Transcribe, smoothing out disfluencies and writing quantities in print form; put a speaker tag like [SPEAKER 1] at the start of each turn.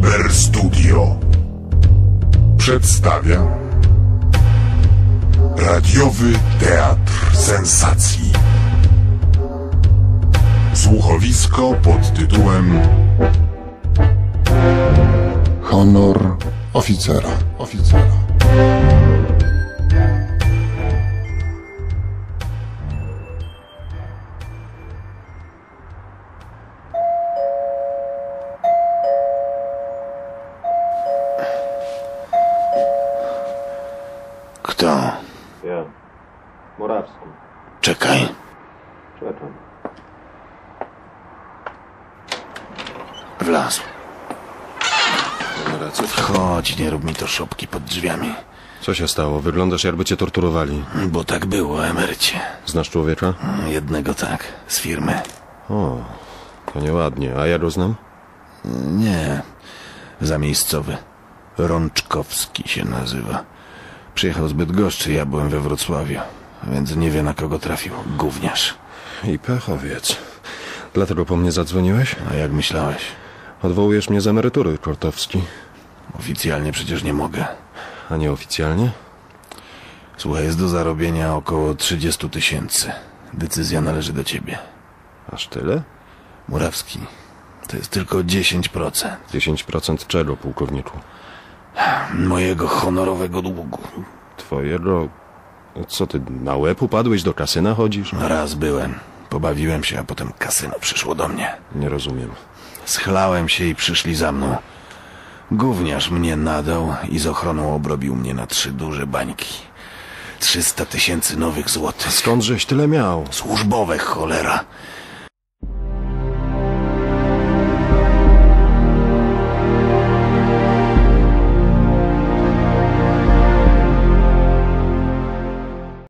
[SPEAKER 1] Cyber Studio przedstawia radiowy teatr sensacji. Słuchowisko pod tytułem Honor oficera.
[SPEAKER 2] Kto?
[SPEAKER 3] Ja. Morawski.
[SPEAKER 2] Czekaj.
[SPEAKER 3] Czekam.
[SPEAKER 2] Wlazł. Chodź, nie rób mi to szopki pod drzwiami.
[SPEAKER 4] Co się stało? Wyglądasz, jakby cię torturowali.
[SPEAKER 2] Bo tak było, emerycie.
[SPEAKER 4] Znasz człowieka?
[SPEAKER 2] Jednego tak, z firmy.
[SPEAKER 4] O, to nieładnie. A ja go znam?
[SPEAKER 2] Nie, zamiejscowy. Rączkowski się nazywa. Przyjechał z Bydgoszczy, ja byłem we Wrocławiu. Więc nie wie, na kogo trafił. Gówniarz.
[SPEAKER 4] I pechowiec. Dlatego po mnie zadzwoniłeś?
[SPEAKER 2] A jak myślałeś?
[SPEAKER 4] Odwołujesz mnie z emerytury, Kortowski.
[SPEAKER 2] Oficjalnie przecież nie mogę.
[SPEAKER 4] A nieoficjalnie?
[SPEAKER 2] Słuchaj, jest do zarobienia około 30 000. Decyzja należy do ciebie.
[SPEAKER 4] Aż tyle?
[SPEAKER 2] Murawski, to jest tylko 10%
[SPEAKER 4] 10% czego, pułkowniku?
[SPEAKER 2] mojego honorowego długu.
[SPEAKER 4] Twojego... Co ty, na łeb upadłeś, do kasyna chodzisz?
[SPEAKER 2] Raz byłem, pobawiłem się, a potem kasyno przyszło do mnie.
[SPEAKER 4] Nie rozumiem.
[SPEAKER 2] Schlałem się i przyszli za mną. Gówniarz mnie nadał i z ochroną obrobił mnie na 3 duże bańki. 300 000 nowych złotych.
[SPEAKER 4] Skądżeś tyle miał?
[SPEAKER 2] Służbowe, cholera.